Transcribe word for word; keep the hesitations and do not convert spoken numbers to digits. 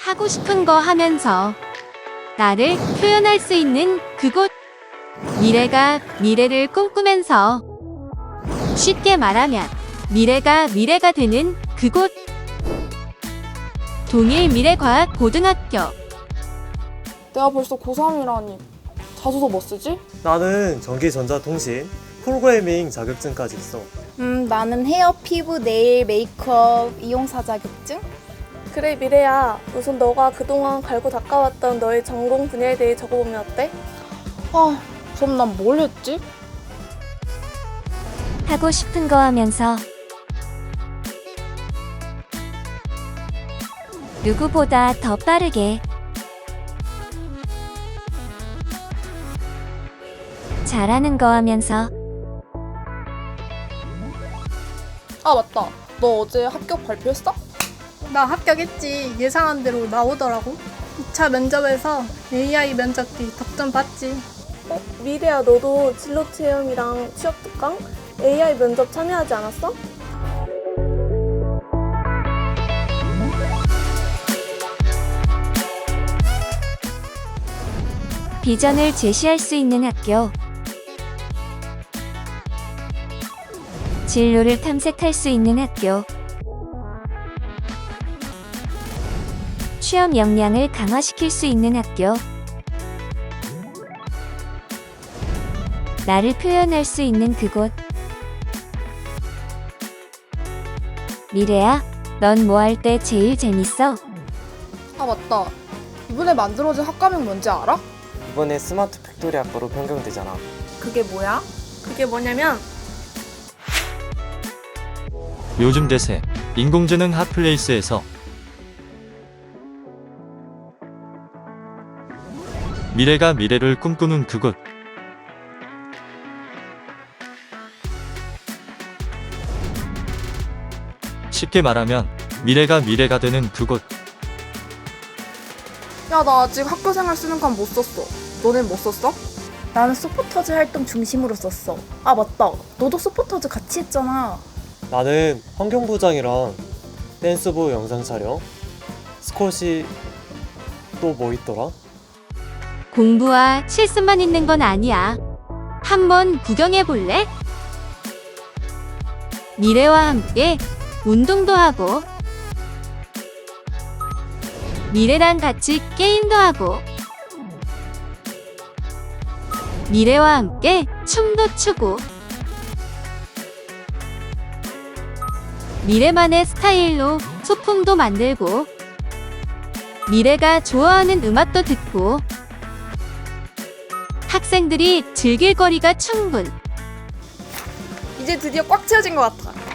하고 싶은 거 하면서 나를 표현할 수 있는 그곳. 미래가 미래를 꿈꾸면서 쉽게 말하면 미래가 미래가 되는 그곳. 동일미래과학고등학교. 내가 벌써 고삼이라니. 자소서 뭐 쓰지? 나는 전기전자통신, 프로그래밍 자격증까지 있어. 음, 나는 헤어, 피부, 네일, 메이크업, 이용사 자격증? 그래 미래야, 우선 너가 그동안 갈고 닦아왔던 너의 전공 분야에 대해 적어보면 어때? 아, 그럼 난 뭘 했지? 하고 싶은 거 하면서 누구보다 더 빠르게 잘하는 거 하면서 아, 맞다. 너 어제 합격 발표했어? 나 합격했지. 예상한 대로 나오더라고. 이 차 면접에서 에이아이 면접기 덕점 봤지. 어? 미래야, 너도 진로 체험이랑 취업 특강? 에이아이 면접 참여하지 않았어? 비전을 제시할 수 있는 학교. 진로를 탐색할 수 있는 학교. 취업 역량을 강화시킬 수 있는 학교. 나를 표현할 수 있는 그곳. 미래야, 넌 뭐 할 때 제일 재밌어? 아, 맞다. 이번에 만들어진 학과명 뭔지 알아? 이번에 스마트 팩토리 학과로 변경되잖아. 그게 뭐야? 그게 뭐냐면 요즘 대세 인공지능 핫플레이스에서 미래가 미래를 꿈꾸는 그곳. 쉽게 말하면 미래가 미래가 되는 그곳. 야, 나 아직 학교생활 쓰는 건 못 썼어. 너넨 못 썼어? 나는 소포터즈 활동 중심으로 썼어. 아, 맞다. 너도 소포터즈 같이 했잖아. 나는 환경부장이랑 댄스부 영상 촬영, 스쿼시 또 뭐 있더라? 공부와 실습만 있는 건 아니야. 한번 구경해 볼래? 미래와 함께 운동도 하고 미래랑 같이 게임도 하고 미래와 함께 춤도 추고 미래만의 스타일로 소품도 만들고 미래가 좋아하는 음악도 듣고 학생들이 즐길 거리가 충분. 이제 드디어 꽉 채워진 것 같아.